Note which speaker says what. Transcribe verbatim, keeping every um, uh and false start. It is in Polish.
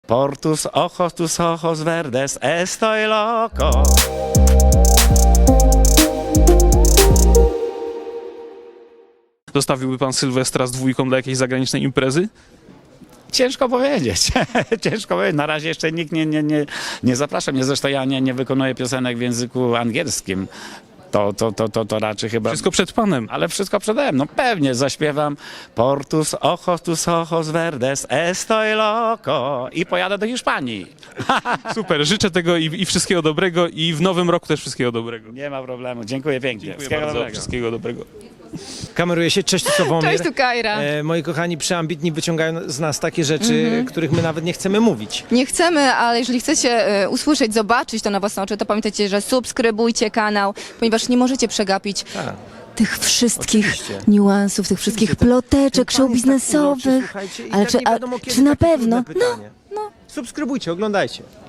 Speaker 1: Portus ojos tus ojos verdes, estoy loco.
Speaker 2: Zostawiłby pan Sylwestra z dwójką dla jakiejś zagranicznej imprezy?
Speaker 1: Ciężko powiedzieć, ciężko powiedzieć. Na razie jeszcze nikt nie, nie, nie, nie zaprasza mnie. Zresztą ja nie, nie wykonuję piosenek w języku angielskim. To, to, to, to, to raczej chyba...
Speaker 2: Wszystko przed panem.
Speaker 1: Ale wszystko przede mną. No pewnie zaśpiewam Portus ojos tus ojos verdes, estoy loco i pojadę do Hiszpanii.
Speaker 2: Super, życzę tego i, i wszystkiego dobrego i w nowym roku też wszystkiego dobrego.
Speaker 1: Nie ma problemu. Dziękuję pięknie.
Speaker 2: Dziękuję
Speaker 1: Wszystkiego
Speaker 2: bardzo,
Speaker 1: dobrego.
Speaker 2: wszystkiego dobrego.
Speaker 3: Kameruje się. Cześć, tu Sławomir.
Speaker 4: Cześć, tu Kajra.
Speaker 3: E, moi kochani, przeambitni wyciągają z nas takie rzeczy, których my nawet nie chcemy mówić.
Speaker 4: Nie chcemy, ale jeżeli chcecie e, usłyszeć, zobaczyć to na własne oczy, to pamiętajcie, że subskrybujcie kanał, ponieważ nie możecie przegapić
Speaker 3: Tak.
Speaker 4: tych wszystkich
Speaker 3: Oczywiście.
Speaker 4: niuansów, tych wszystkich
Speaker 3: Oczywiście, ten-
Speaker 4: ploteczek
Speaker 3: ten pan jest tak uroczy,
Speaker 4: show biznesowych.
Speaker 3: słuchajcie, i
Speaker 4: Ale
Speaker 3: tak
Speaker 4: czy,
Speaker 3: nie
Speaker 4: a,
Speaker 3: wiadomo, kiedy
Speaker 4: czy na
Speaker 3: takie
Speaker 4: pewno?
Speaker 3: trudne pytanie. Subskrybujcie, oglądajcie.